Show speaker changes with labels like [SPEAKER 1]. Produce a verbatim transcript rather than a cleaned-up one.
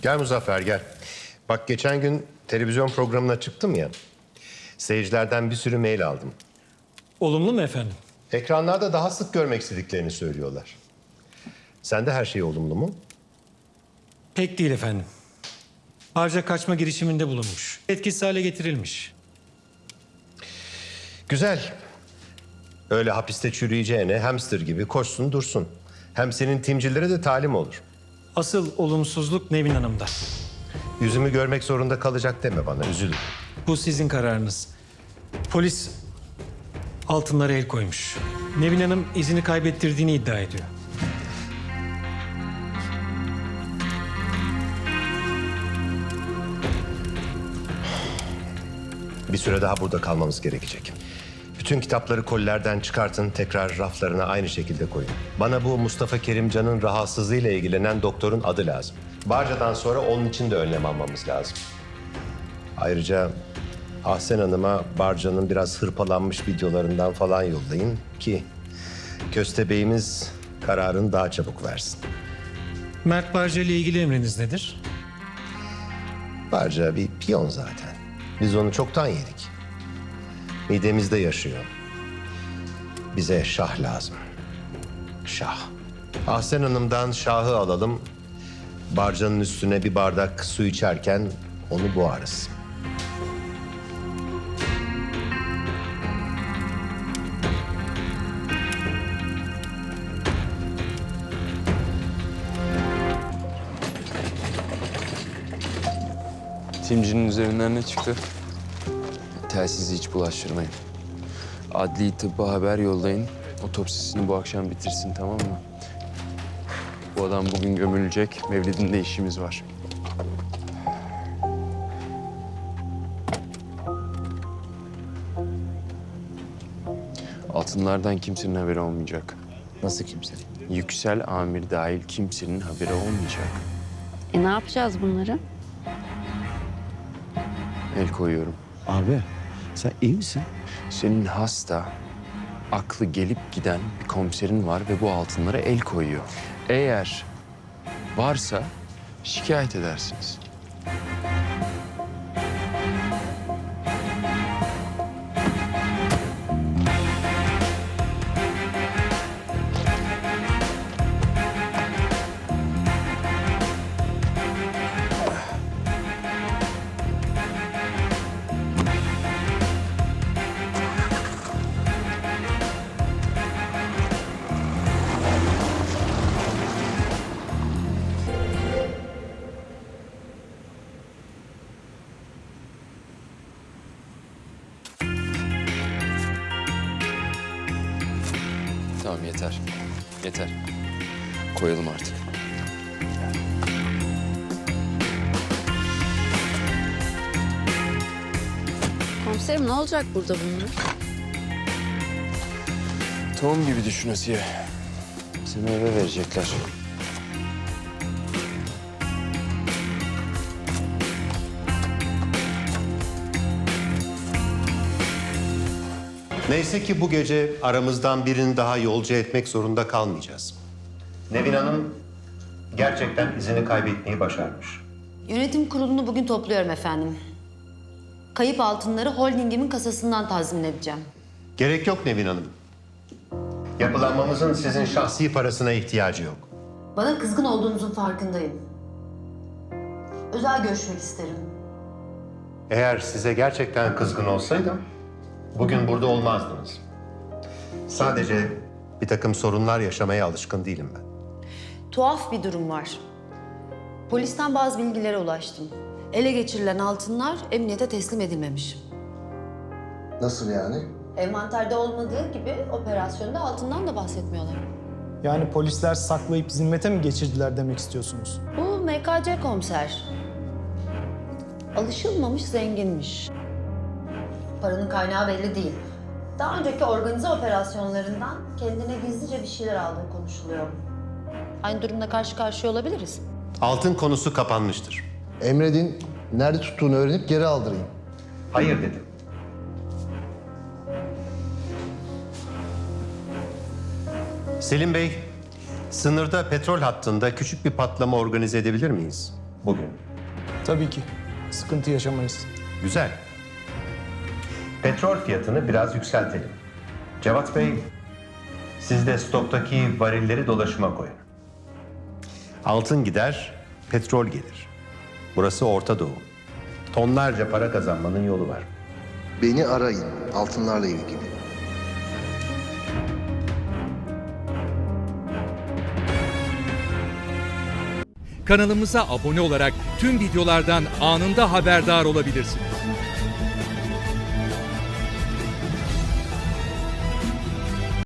[SPEAKER 1] Gel Muzaffer gel. Bak geçen gün televizyon programına çıktım ya. Seyircilerden bir sürü mail aldım.
[SPEAKER 2] Olumlu mu efendim?
[SPEAKER 1] Ekranlarda daha sık görmek istediklerini söylüyorlar. Sende her şey olumlu mu?
[SPEAKER 2] Pek değil efendim. Harca kaçma girişiminde bulunmuş. Etkisiz hale getirilmiş.
[SPEAKER 1] Güzel. Öyle hapiste çürüyeceğine hamster gibi koşsun dursun. Hem senin timcilere de talim olur.
[SPEAKER 2] Asıl olumsuzluk Nevin Hanım'da.
[SPEAKER 1] Yüzümü görmek zorunda kalacak deme bana, üzülürüm.
[SPEAKER 2] Bu sizin kararınız. Polis altınlara el koymuş. Nevin Hanım izini kaybettirdiğini iddia ediyor.
[SPEAKER 1] Bir süre daha burada kalmamız gerekecek. Bütün kitapları kolilerden çıkartın, tekrar raflarına aynı şekilde koyun. Bana bu Mustafa Kerimcan'ın rahatsızlığıyla ilgilenen doktorun adı lazım. Barca'dan sonra onun için de önlem almamız lazım. Ayrıca Ahsen Hanım'a Barca'nın biraz hırpalanmış videolarından falan yollayın ki Köstebeyimiz kararını daha çabuk versin.
[SPEAKER 2] Mert Barca ile ilgili emriniz nedir?
[SPEAKER 1] Barca bir piyon zaten. Biz onu çoktan yedik. Midemizde yaşıyor. Bize şah lazım. Şah. Ahsen Hanım'dan şahı alalım. Barcanın üstüne bir bardak su içerken onu boğarız.
[SPEAKER 3] Timcinin üzerinden ne çıktı? Telsizi hiç bulaştırmayın. Adli tıbba haber yollayın. Otopsisini bu akşam bitirsin, tamam mı? Bu adam bugün gömülecek. Mevlidinde işimiz var. Altınlardan kimsenin haberi olmayacak.
[SPEAKER 4] Nasıl kimse?
[SPEAKER 3] Yüksel amir dahil kimsenin haberi olmayacak.
[SPEAKER 5] E ne yapacağız bunları?
[SPEAKER 3] El koyuyorum.
[SPEAKER 4] Abi sen iyi misin?
[SPEAKER 3] Senin hasta, aklı gelip giden bir komiserin var ve bu altınlara el koyuyor. Eğer varsa şikayet edersiniz. Tamam, yeter. Yeter. Koyalım artık.
[SPEAKER 5] Komiserim ne olacak burada bunlar?
[SPEAKER 3] Tohum gibi düşün Asiye. Seni eve verecekler.
[SPEAKER 1] Neyse ki bu gece aramızdan birini daha yolcu etmek zorunda kalmayacağız. Nevin Hanım gerçekten izini kaybetmeyi başarmış.
[SPEAKER 6] Yönetim kurulunu bugün topluyorum efendim. Kayıp altınları holdingimin kasasından tazmin edeceğim.
[SPEAKER 1] Gerek yok Nevin Hanım. Yapılanmamızın sizin şahsi parasına ihtiyacı yok.
[SPEAKER 6] Bana kızgın olduğunuzun farkındayım. Özel görüşmek isterim.
[SPEAKER 1] Eğer size gerçekten kızgın olsaydım bugün burada olmazdınız. Sadece bir takım sorunlar yaşamaya alışkın değilim ben.
[SPEAKER 6] Tuhaf bir durum var. Polisten bazı bilgilere ulaştım. Ele geçirilen altınlar emniyete teslim edilmemiş.
[SPEAKER 7] Nasıl yani?
[SPEAKER 6] Envanterde olmadığı gibi operasyonda altından da bahsetmiyorlar.
[SPEAKER 8] Yani polisler saklayıp zimmete mi geçirdiler demek istiyorsunuz?
[SPEAKER 6] Bu M K C komiser. Alışılmamış zenginmiş. Paranın kaynağı belli değil. Daha önceki organize operasyonlarından kendine gizlice bir şeyler aldığı konuşuluyor. Aynı durumda karşı karşıya olabiliriz.
[SPEAKER 1] Altın konusu kapanmıştır.
[SPEAKER 7] Emredin, nerede tuttuğunu öğrenip geri aldırayım.
[SPEAKER 1] Hayır dedim. Selim Bey, sınırda petrol hattında küçük bir patlama organize edebilir miyiz? bugün.
[SPEAKER 8] Tabii ki. Sıkıntı yaşamayız.
[SPEAKER 1] Güzel. Petrol fiyatını biraz yükseltelim. Cevat Bey, siz de stoktaki varilleri dolaşıma koyun. Altın gider, petrol gelir. Burası Orta Doğu. Tonlarca para kazanmanın yolu var.
[SPEAKER 7] Beni arayın altınlarla ilgili.
[SPEAKER 9] Kanalımıza abone olarak tüm videolardan anında haberdar olabilirsiniz.